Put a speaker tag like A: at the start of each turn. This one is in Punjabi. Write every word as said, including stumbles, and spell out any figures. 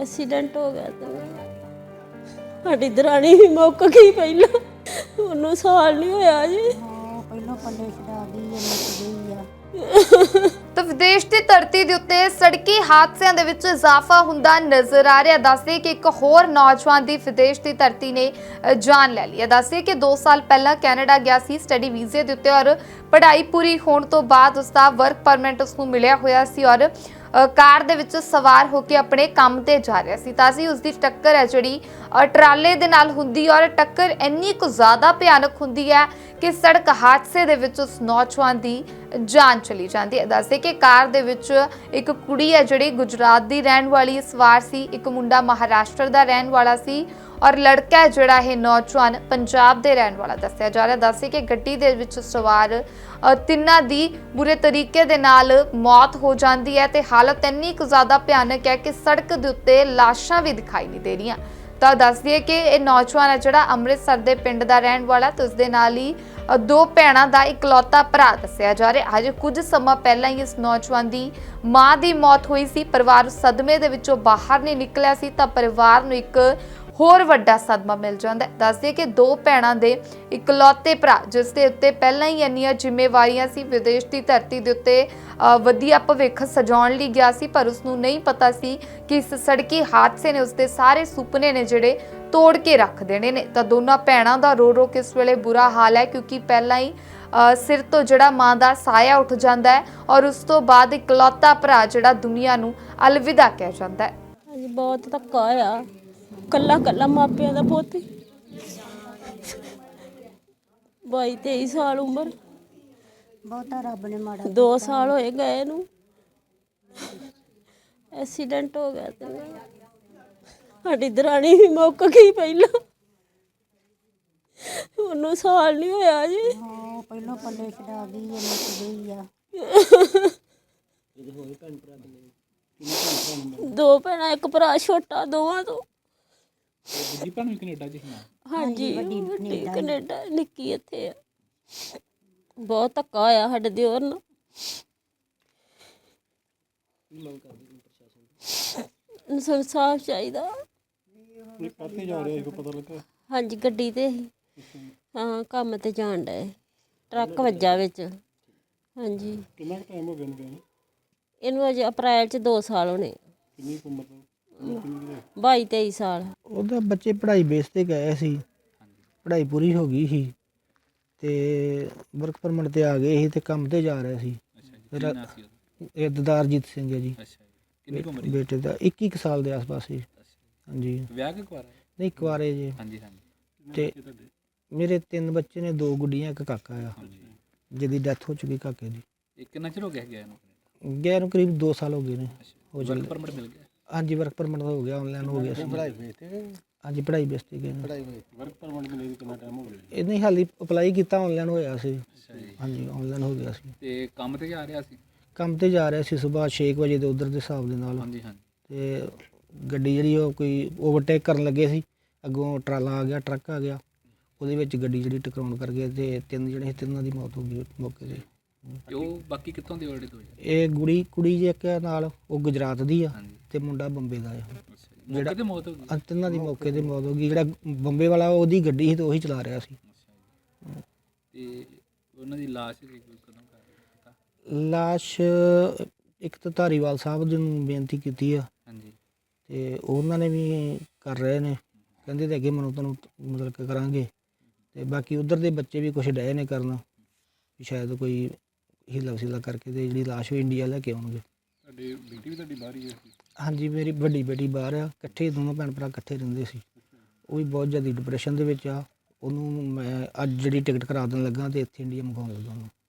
A: ਐਕਸੀਡੈਂਟ ਹੋ ਗਿਆ ਤੇ ਸਾਡੀ ਦਰਾਣੀ ਵੀ ਮੁੱਕ ਗਈ ਪਹਿਲਾਂ। ਉਹਨੂੰ ਸਾਲ ਨਹੀਂ ਹੋਇਆ ਜੀ।
B: ਹਾਂ ਪਹਿਲਾਂ ਪੱਲੇ ਛਡਾ ਗਈ ਇਹ ਮੁੱਕ ਗਈ ਆ।
C: ਤਾਂ ਵਿਦੇਸ਼ ਦੀ ਧਰਤੀ ਦੇ ਉੱਤੇ ਸੜਕੀ ਹਾਦਸਿਆਂ ਦੇ ਵਿੱਚ ਇਜ਼ਾਫਾ ਹੁੰਦਾ ਨਜ਼ਰ ਆ ਰਿਹਾ। ਦੱਸਦੇ ਕਿ ਇੱਕ ਹੋਰ ਨੌਜਵਾਨ ਦੀ ਵਿਦੇਸ਼ ਦੀ ਧਰਤੀ ਨੇ ਜਾਨ ਲੈ ਲਈ ਹੈ। ਦੱਸਦੇ ਕਿ ਦੋ ਸਾਲ ਪਹਿਲਾਂ ਕੈਨੇਡਾ ਗਿਆ ਸੀ ਸਟੱਡੀ ਵੀਜ਼ੇ ਦੇ ਉੱਤੇ ਔਰ ਪੜ੍ਹਾਈ ਪੂਰੀ ਹੋਣ ਤੋਂ ਬਾਅਦ ਉਸ ਦਾ ਵਰਕ ਪਰਮਿਟ ਉਸ ਨੂੰ ਮਿਲਿਆ ਹੋਇਆ ਸੀ ਔਰ ਕਾਰ ਦੇ ਵਿੱਚ ਸਵਾਰ ਹੋ ਕੇ ਆਪਣੇ ਕੰਮ ਤੇ ਜਾ ਰਿਹਾ ਸੀ ਤਾਂ ਸੀ ਉਸ ਦੀ ਟੱਕਰ ਹੈ ਜਿਹੜੀ ਟਰਾਲੇ ਦੇ ਨਾਲ ਹੁੰਦੀ ਔਰ ਟੱਕਰ ਇੰਨੀ ਕੁ ਜ਼ਿਆਦਾ ਭਿਆਨਕ ਹੁੰਦੀ ਹੈ ਕਿ ਸੜਕ ਹਾਦਸੇ ਦੇ ਵਿੱਚ ਉਸ ਨੌਜਵਾਨ ਦੀ ਜਾਨ ਚਲੀ ਜਾਂਦੀ ਹੈ। ਦੱਸਦੇ ਕਿ ਕਾਰ ਦੇ ਵਿੱਚ ਇੱਕ ਕੁੜੀ ਹੈ ਜਿਹੜੀ ਗੁਜਰਾਤ ਦੀ ਰਹਿਣ ਵਾਲੀ ਸਵਾਰ ਸੀ, ਇੱਕ ਮੁੰਡਾ ਮਹਾਰਾਸ਼ਟਰ ਦਾ ਰਹਿਣ ਵਾਲਾ ਸੀ ਔਰ ਲੜਕਾ ਹੈ ਜਿਹੜਾ ਇਹ ਨੌਜਵਾਨ ਪੰਜਾਬ ਦੇ ਰਹਿਣ ਵਾਲਾ ਦੱਸਿਆ ਜਾ ਰਿਹਾ। ਦੱਸੇ ਕਿ ਗੱਡੀ ਦੇ ਵਿੱਚ ਸਵਾਰ ਤਿੰਨਾਂ ਦੀ ਬੁਰੇ ਤਰੀਕੇ ਦੇ ਨਾਲ ਮੌਤ ਹੋ ਜਾਂਦੀ ਹੈ ਤੇ ਹਾਲਤ ਇੰਨੀ ਕੁ ਜ਼ਿਆਦਾ ਭਿਆਨਕ ਹੈ ਕਿ ਸੜਕ ਦੇ ਉੱਤੇ ਲਾਸ਼ਾਂ ਵੀ ਦਿਖਾਈ ਨਹੀਂ ਦੇ ਰਹੀਆਂ। ਤਾਂ ਦੱਸ ਦਈਏ ਕਿ ਇਹ ਨੌਜਵਾਨ ਹੈ ਜਿਹੜਾ ਅੰਮ੍ਰਿਤਸਰ ਦੇ ਪਿੰਡ ਦਾ ਰਹਿਣ ਵਾਲਾ ਤੇ ਉਸ ਦੇ ਨਾਲ ਹੀ ਦੋ ਭੈਣਾਂ ਦਾ ਇਕਲੌਤਾ ਭਰਾ ਦੱਸਿਆ ਜਾ ਰਿਹਾ। ਅਜੇ ਕੁਝ ਸਮਾਂ ਪਹਿਲਾਂ ਹੀ ਇਸ ਨੌਜਵਾਨ ਦੀ ਮਾਂ ਦੀ ਮੌਤ ਹੋਈ ਸੀ। ਪਰਿਵਾਰ ਸਦਮੇ ਦੇ ਵਿੱਚੋਂ ਬਾਹਰ ਨਹੀਂ ਨਿਕਲਿਆ ਸੀ ਤਾਂ ਪਰਿਵਾਰ ਨੂੰ ਇੱਕ ਹੋਰ ਵੱਡਾ ਸਦਮਾ ਮਿਲ ਜਾਂਦਾ ਹੈ। ਦੱਸਦੇ ਕਿ ਦੋ ਭੈਣਾਂ ਦੇ ਇਕਲੌਤੇ ਭਰਾ ਜਿਸ ਦੇ ਉੱਤੇ ਪਹਿਲਾਂ ਹੀ ਇੰਨੀਆਂ ਜ਼ਿੰਮੇਵਾਰੀਆਂ ਸੀ, ਵਿਦੇਸ਼ ਦੀ ਧਰਤੀ ਦੇ ਉੱਤੇ ਵਧੀਆ ਭਵਿੱਖ ਸਜਾਉਣ ਲਈ ਗਿਆ ਸੀ ਪਰ ਉਸ ਨੂੰ ਨਹੀਂ ਪਤਾ ਸੀ ਕਿ ਇਸ ਸੜਕੀ ਹਾਦਸੇ ਨੇ ਉਸਦੇ ਸਾਰੇ ਸੁਪਨੇ ਨੇ ਜਿਹੜੇ ਤੋੜ ਕੇ ਰੱਖ ਦੇਣੇ ਨੇ। ਤਾਂ ਦੋਨਾਂ ਭੈਣਾਂ ਦਾ ਰੋ ਰੋ ਕੇ ਇਸ ਵੇਲੇ ਬੁਰਾ ਹਾਲ ਹੈ ਕਿਉਂਕਿ ਪਹਿਲਾਂ ਹੀ ਸਿਰ ਤੋਂ ਜਿਹੜਾ ਮਾਂ ਦਾ ਸਾਇਆ ਉੱਠ ਜਾਂਦਾ ਹੈ ਔਰ ਉਸ ਤੋਂ ਬਾਅਦ ਇਕਲੌਤਾ ਭਰਾ ਜਿਹੜਾ ਦੁਨੀਆ ਨੂੰ ਅਲਵਿਦਾ ਕਹਿ ਜਾਂਦਾ ਹੈ।
A: ਹਾਂਜੀ ਬਹੁਤ ਧੱਕਾ ਆ। ਕੱਲਾ ਕੱਲਾ ਮਾਪਿਆਂ ਦਾ ਪੁੱਤ ਬਾਈ ਤੇਈ ਸਾਲ ਉਮਰ,
B: ਬਹੁਤਾ ਰੱਬ ਨੇ ਮਾੜਾ
A: ਦੋ ਸਾਲ ਹੋਏ ਗਏ ਨੂੰ। ਐਕਸੀਡੈਂਟ ਹੋ ਗਿਆ ਤੇ ਸਾਡੀ ਦਰਾਣੀ ਵੀ ਮੁੱਕ ਗਈ ਪਹਿਲਾਂ। ਉਹਨੂੰ ਸਾਲ ਨਹੀਂ ਹੋਇਆ ਜੀ।
B: ਹਾਂ ਪਹਿਲਾਂ ਪੱਲੇ ਛਡਾ ਗਈ ਇਹ ਮੁੱਕ ਗਈ ਆ।
A: ਦੋ ਭੈਣਾਂ ਇੱਕ ਭਰਾ ਛੋਟਾ ਦੋਵਾਂ ਤੋਂ।
D: ਦੂਜੀ ਭੈਣ ਵੀ ਕੈਨੇਡਾ ਚ ਸੀ।
A: ਹਾਂਜੀ ਵੱਡੀ ਕੈਨੇਡਾ, ਨਿੱਕੀ ਇੱਥੇ ਆ। ਬਹੁਤ ਧੱਕਾ ਹੋਇਆ ਸਾਡੇ ਦਿਓਰ ਨਾਲ। ਇਨਸਾਫ ਚਾਹੀਦਾ।
D: ਇਹ ਕਾਹਤੇ ਜਾ ਰਿਹਾ ਸੀ ਪਤਾ ਲੱਗਾ?
A: ਹਾਂਜੀ ਗੱਡੀ ਤੇ ਸੀ। ਹਾਂ ਕੰਮ ਤੇ ਜਾਣ ਡਏ, ਟਰੱਕ ਵੱਜਾ ਵਿੱਚ। ਹਾਂਜੀ
D: ਕਿੰਨਾ ਟਾਈਮ ਹੋ ਗਿਆ ਇਹਨੂੰ ਗਏ?
A: ਇਹਨੂੰ ਅਜੇ ਅਪ੍ਰੈਲ ਚ ਦੋ ਸਾਲ ਹੋਣੇ।
D: ਕਿੰਨੀ ਕੁ ਉਮਰ ਦਾ?
A: ਬਾਈ ਤੇਈ ਸਾਲ।
E: ਉਹਦਾ ਬੱਚੇ ਪੜ੍ਹਾਈ ਬੇਸ ਤੇ ਗਏ ਸੀ, ਪੜ੍ਹਾਈ ਪੂਰੀ ਹੋ ਗਈ ਸੀ ਤੇ ਵਰਕ ਪਰਮਿਟ ਤੇ ਆ ਗਏ ਸੀ ਤੇ ਕੰਮ ਤੇ ਜਾ ਰਹੇ ਸੀ। ਇਹ ਦਦਾਰਜੀਤ ਸਿੰਘ ਹੈ ਜੀ।
D: ਕਿੰਨੀ ਕੁ ਉਮਰ?
E: ਬੇਟੇ ਦਾ ਇੱਕੀ ਕੁ ਸਾਲ ਦੇ ਆਸ-ਪਾਸ ਸੀ। ਹਾਂਜੀ
D: ਵਿਆਹ ਕੇ ਕੁਆਰਾ?
E: ਨਹੀਂ ਕੁਆਰੇ ਜੀ।
D: ਹਾਂਜੀ ਹਾਂਜੀ।
E: ਤੇ ਮੇਰੇ ਤਿੰਨ ਬੱਚੇ ਨੇ, ਦੋ ਗੁੱਡੀਆਂ ਇੱਕ ਕਾਕਾ ਆ ਜਿਹਦੀ ਡੈਥ ਹੋ ਚੁੱਕੀ ਕਾਕੇ ਦੀ।
D: ਇਹ ਕਿੰਨਾ ਚਿਰ ਹੋ ਗਿਆ ਗਿਆ ਇਹਨੂੰ?
E: ਗਿਆ ਨੂੰ ਕਰੀਬ ਦੋ ਸਾਲ ਹੋ ਗਏ ਨੇ। ਹੋ
D: ਵਰਕ
E: ਚੱਲੇ।
D: ਪਰਮਿਟ ਮਿਲ ਗਿਆ?
E: ਹਾਂਜੀ ਵਰਕ ਪਰਮਿਟ ਹੋ ਗਿਆ, ਆਨਲਾਈਨ ਹੋ ਗਿਆ ਸੀ।
D: ਪੜ੍ਹਾਈ ਬੇਸ ਤੇ?
E: ਹਾਂਜੀ ਪੜ੍ਹਾਈ ਬੇਸ ਤੇ ਗਏ ਨੇ।
D: ਵਰਕ ਪਰਮਿਟ ਮਿਲੇ ਨੂੰ ਕਿੰਨਾ ਟਾਈਮ ਹੋ ਗਿਆ?
E: ਇਹ ਨਹੀਂ ਹਾਲੀ ਅਪਲਾਈ ਕੀਤਾ, ਆਨਲਾਈਨ ਹੋਇਆ ਸੀ।
D: ਅੱਛਾ ਜੀ।
E: ਹਾਂਜੀ ਆਨਲਾਈਨ ਹੋ ਗਿਆ ਸੀ।
D: ਤੇ ਕੰਮ ਤੇ ਜਾ ਰਿਹਾ ਸੀ?
E: ਕੰਮ ਤੇ ਜਾ ਰਿਹਾ ਸੀ ਸੁਬਾਹ ਛੇ ਕੁ ਵਜੇ ਦੇ ਉੱਧਰ ਦੇ ਹਿਸਾਬ ਦੇ ਨਾਲ।
D: ਹਾਂਜੀ ਹਾਂਜੀ।
E: ਤੇ ਗੱਡੀ ਜਿਹੜੀ ਉਹ ਕੋਈ ਓਵਰਟੇਕ ਕਰਨ ਲੱਗੇ ਸੀ, ਅੱਗੋਂ ਟਰਾਲਾ ਆ ਗਿਆ, ਟਰੱਕ ਆ ਗਿਆ, ਉਹਦੇ ਵਿੱਚ ਗੱਡੀ ਜਿਹੜੀ ਟਕਰਾਉਣ ਕਰ ਗਈ ਤੇ ਤਿੰਨ ਜਿਹੜੇ ਸੀ, ਤਿੰਨਾਂ ਦੀ ਮੌਤ ਹੋ ਗਈ ਮੌਕੇ 'ਤੇ।
D: ਤੇ ਉਹ ਬਾਕੀ ਕਿੱਥੋਂ ਦੇ ਆਲਰੇਡੀ ਤੋਂ?
E: ਇਹ ਕੁੜੀ ਕੁੜੀ ਜੇ ਇੱਕ ਨਾਲ ਉਹ ਗੁਜਰਾਤ ਦੀ ਆ
D: ਹਾਂਜੀ।
E: ਤੇ ਮੁੰਡਾ ਬੰਬੇ ਦਾ ਆ।
D: ਜਿਹੜਾ ਤੇ ਮੌਤ ਹੋ ਗਈ?
E: ਆਹ ਤਿੰਨਾਂ ਦੀ ਮੌਕੇ 'ਤੇ ਮੌਤ ਹੋ ਗਈ। ਜਿਹੜਾ ਬੰਬੇ ਵਾਲਾ ਉਹਦੀ ਗੱਡੀ ਸੀ ਤੇ ਉਹੀ ਚਲਾ ਰਿਹਾ ਸੀ।
D: ਤੇ ਉਹਨਾਂ ਦੀ ਲਾਸ਼ ਕਦੋਂ ਕਰ ਪਤਾ?
E: ਲਾਸ਼ ਇੱਕ ਤਾਂ ਧਾਰੀਵਾਲ ਸਾਹਿਬ ਜੀ ਨੂੰ ਬੇਨਤੀ ਕੀਤੀ ਆ
D: ਹਾਂਜੀ।
E: ਤੇ ਉਹਨਾਂ ਨੇ ਵੀ ਕਰ ਰਹੇ ਨੇ, ਕਹਿੰਦੇ ਤੇ ਅੱਗੇ ਮੈਨੂੰ ਤੁਹਾਨੂੰ ਮਤਲਬ ਕਿ ਕਰਾਂਗੇ। ਤੇ ਬਾਕੀ ਉਧਰ ਦੇ ਬੱਚੇ ਵੀ ਕੁਛ ਡਏ ਨੇ ਕਰਨਾ ਵੀ ਸ਼ਾਇਦ ਕੋਈ ਹੀਲਾ ਵਸੀਲਾ ਕਰਕੇ ਤੇ ਜਿਹੜੀ ਲਾਸ਼ ਉਹ ਇੰਡੀਆ ਲੈ ਕੇ ਆਉਣਗੇ।
D: ਤੁਹਾਡੀ ਬੇਟੀ ਵੀ ਤੁਹਾਡੀ ਬਾਹਰ ਹੀ ਹੈ?
E: ਹਾਂਜੀ ਮੇਰੀ ਵੱਡੀ ਬੇਟੀ ਬਾਹਰ ਆ, ਇਕੱਠੇ ਦੋਨੋਂ ਭੈਣ ਭਰਾ ਇਕੱਠੇ ਰਹਿੰਦੇ ਸੀ। ਉਹ ਵੀ ਬਹੁਤ ਜ਼ਿਆਦਾ ਡਿਪਰੈਸ਼ਨ ਦੇ ਵਿੱਚ ਆ। ਉਹਨੂੰ ਮੈਂ ਅੱਜ ਜਿਹੜੀ ਟਿਕਟ ਕਰਾ ਦੇਣ ਲੱਗਾ ਤੇ ਇੱਥੇ ਇੰਡੀਆ ਮੰਗਵਾਉਣ ਲੱਗਾ ਉਹਨੂੰ।